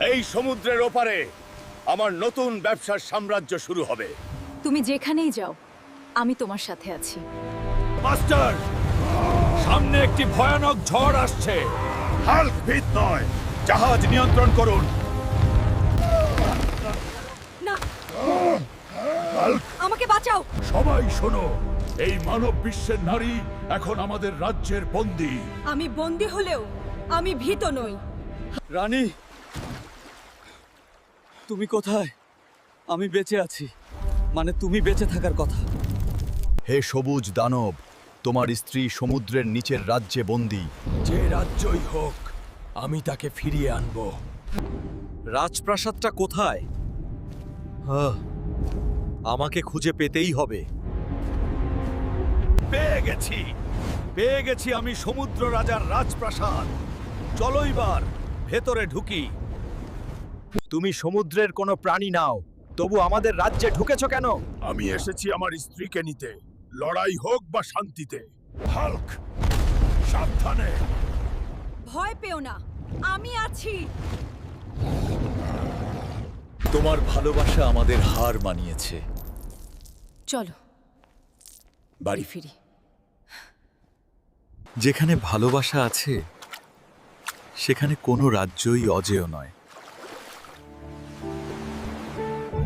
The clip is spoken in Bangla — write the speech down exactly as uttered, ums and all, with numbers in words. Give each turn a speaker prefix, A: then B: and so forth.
A: এই সমুদ্রের ওপারে আমার নতুন ব্যবসার সাম্রাজ্য শুরু হবে।
B: তুমি যেখানেই যাও আমি তোমার সাথে আছি।
A: মাস্টার, সামনে একটি ভয়ানক ঝড় আসছে। হাল্ক ভীত নয়, জাহাজ নিয়ন্ত্রণ করুন।
B: না, আমাকে বাঁচাও।
A: সবাই শোনো, এই মানব বিশ্বের নারী এখন আমাদের রাজ্যের বন্দী।
B: আমি বন্দী হলেও আমি ভীত নই।
C: রানী, তুমি কোথায়? আমি বেঁচে আছি, মানে তুমি বেঁচে থাকার কথা।
D: হে সবুজ দানব, তোমার স্ত্রী সমুদ্রের নিচের রাজ্যে বন্দী।
A: যে রাজ্যই হোক, আমি তাকে ফিরিয়ে আনব।
C: রাজপ্রাসাদটা কোথায়? হ্যাঁ, আমাকে খুঁজে পেতেই হবে।
A: পেয়ে গেছি, পেয়ে গেছি আমি সমুদ্র রাজার রাজপ্রাসাদ। চলো এবার ভেতরে ঢুকি।
D: তুমি সমুদ্রের কোনো প্রাণী নাও, তবু আমাদের রাজ্যে ঢুকেছ কেন?
A: আমি এসেছি আমার স্ত্রীকে নিতে, লড়াই হোক বা শান্তিতে। হাল্ক, সাবধানে।
B: ভয় পেও না, আমি আছি।
D: তোমার ভালোবাসা আমাদের হার মানিয়েছে।
B: চলো বাড়ি ফিরি।
D: যেখানে ভালোবাসা আছে সেখানে কোনো রাজ্যই অজেয় নয়।